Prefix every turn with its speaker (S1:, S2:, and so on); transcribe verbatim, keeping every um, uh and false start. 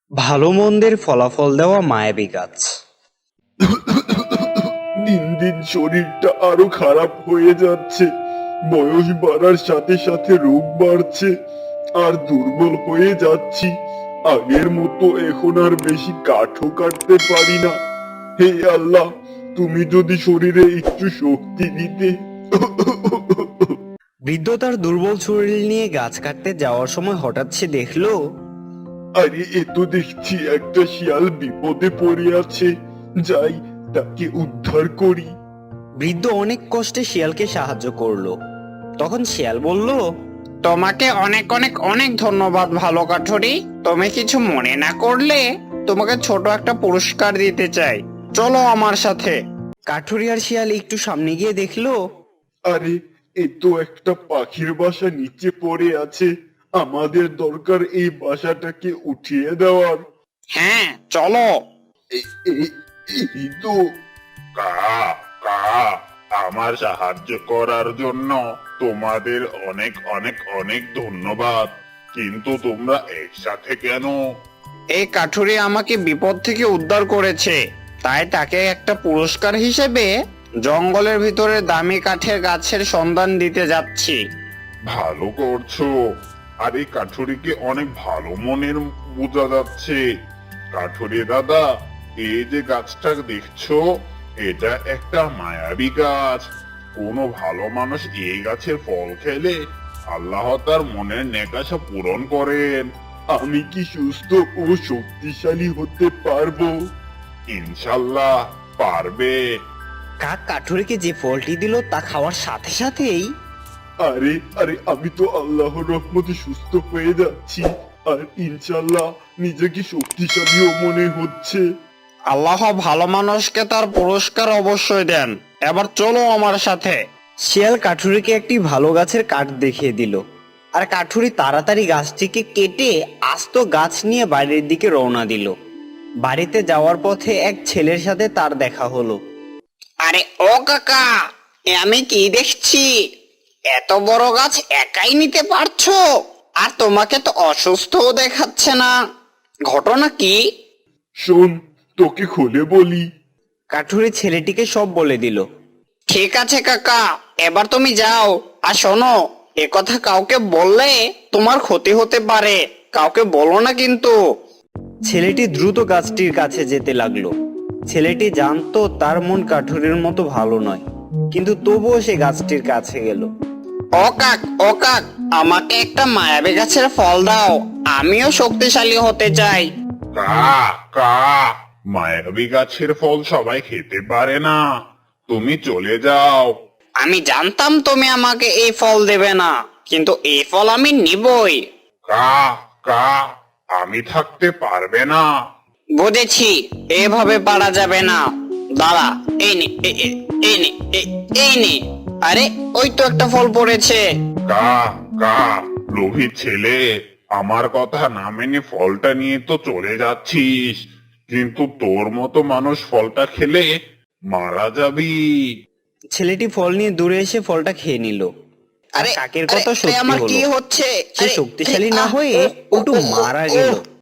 S1: ভালো মন্দের ফলাফল দেওয়া মায়াবী গাছ।
S2: দিন দিন শরীরটা আরো খারাপ হয়ে যাচ্ছে। বয়স বাড়ার সাথে সাথে রোগ বাড়ছে আর দুর্বল হয়ে যাচ্ছি। আগের মতো এখন আর বেশি কাঠও কাটতে পারি না। হে আল্লাহ, তুমি যদি শরীরে একটু শক্তি দিতে।
S1: বৃদ্ধ তার দুর্বল শরীর নিয়ে গাছ কাটতে যাওয়ার সময় হঠাৎ সে দেখলো
S2: আরে এ তো দেখছি একটা শিয়াল বিপদে পড়ে আছে। যাই, তাকে উদ্ধার করি।
S1: বৃদ্ধ অনেক কষ্টে শিয়ালকে সাহায্য করলো। তখন শিয়াল বলল,
S3: তোমাকে অনেক অনেক অনেক ধন্যবাদ ভালো কাঠুরি। তুমি কিছু মনে না করলে তোমাকে ছোট একটা পুরস্কার দিতে চাই, চলো আমার সাথে।
S1: কাঠুরি আর শিয়াল একটু সামনে গিয়ে দেখলো
S2: আরে এ তো একটা পাখির বাসা নিচে পড়ে আছে। আমাদের দরকার এই বাসাটাকে উঠিয়ে দেওয়ার।
S3: হ্যাঁ চলো।
S2: এ- এ- এই তো
S4: কা কা আমার সাহায্য করার জন্য তোমাদের অনেক অনেক অনেক ধন্যবাদ। কিন্তু তোমরা একসাথে কেন?
S3: এই কাঠুরি আমাকে বিপদ থেকে উদ্ধার করেছে, তাই তাকে একটা পুরস্কার হিসেবে জঙ্গলের ভিতরে দামি কাঠের গাছের সন্ধান দিতে যাচ্ছি।
S4: ভালো করছো। আর এই কাঠুরিকে অনেক ভালো মনের বোঝা যাচ্ছে। কাঠুরি দাদা, এই যে গাছটা দেখছো, এটা একটা মায়াবী গাছ। কোনো ভালো মানুষ এই গাছের ফল খেলে আল্লাহ তার মনের নেকাশা পূরণ করেন।
S2: আমি কি সুস্থ ও শক্তিশালী হতে পারবো?
S4: ইনশাল্লাহ পারবে।
S1: কাক কাঠুরিকে যে ফলটি দিল তা খাওয়ার সাথে সাথেই
S2: আরে আরে আমি তো আল্লাহর রহমতে সুস্থ হয়ে যাচ্ছি। আর ইনশাল্লাহ নিজেকে শক্তিশালীও মনে হচ্ছে।
S3: আল্লাহ ভালো মানুষকে তার পুরস্কার অবশ্যই দেন। এবার চলো আমার সাথে।
S1: শিয়াল কাঠুরিকে একটি ভালো গাছের কাঠ দেখিয়ে দিল, আর কাঠুরি তাড়াতাড়ি গাছটিকে কেটে আস্ত গাছ নিয়ে বাড়ির দিকে রওনা দিল। বাড়িতে যাওয়ার পথে এক ছেলের সাথে তার দেখা হলো।
S3: আরে ও কাকা, এ আমি কি দেখছি? এত বড় গাছ একাই নিতে পারছো? আর তোমাকে তো অসুস্থও দেখাচ্ছে না, ঘটনা কি?
S2: শোন, তোকে খুলে বলি।
S1: কাঠুরি ছেলেটিকে সব বলে দিল।
S3: ঠিক আছে কাকা, এবার তুমি যাও। আর শোনো, এ কথা কাউকে বললে তোমার ক্ষতি হতে পারে, কাউকে বলো না কিন্তু।
S1: ছেলেটি দ্রুত গাছটির কাছে যেতে লাগলো। ছেলেটি জানতো তার মন কাঠুরির মতো ভালো নয়, কিন্তু তবুও সে গাছটির কাছে গেল।
S3: ও কাক, ও কাক, আমাকে একটা মায়াবী গাছের ফল দাও, আমিও শক্তিশালী হতে চাই।
S4: কা কা মায়াবী গাছের ফল সবাই খেতে পারে না। তুমি চলে যাও।
S3: আমি জানতাম তুমি আমাকে এই ফল দেবে না, কিন্তু এই ফল আমি নিবই।
S4: কা কা আমি থাকতে পারবে না।
S3: বুঝেছি, এভাবে পারা যাবে না। দাঁড়া, এই নে, এ- এ- এই নে, এ- এই নে। আরে ওই তো একটা ফল পড়েছে।
S4: কা কা লোভী ছেলে, আমার কথা না মেনে ফলটা নিয়ে তো চলে যাচ্ছিস, কিন্তু তোর মতো মানুষ ফলটা খেলে মারা যাবি।
S1: ছেলেটি ফল নিয়ে দূরে এসে ফলটা খেয়ে নিল। আর
S3: আরে
S1: কাকের
S3: আরে,
S1: কথা
S3: আরে,
S1: সত্যি
S3: আমার কি
S1: হলো।
S3: হচ্ছে?
S1: সে
S3: আরে,
S1: শক্তিশালী
S3: আরে,
S1: না
S3: আহ,
S1: হয়ে
S3: ও, ও,
S1: উল্টো
S3: ও,
S1: মারা
S3: ও,
S1: গেল।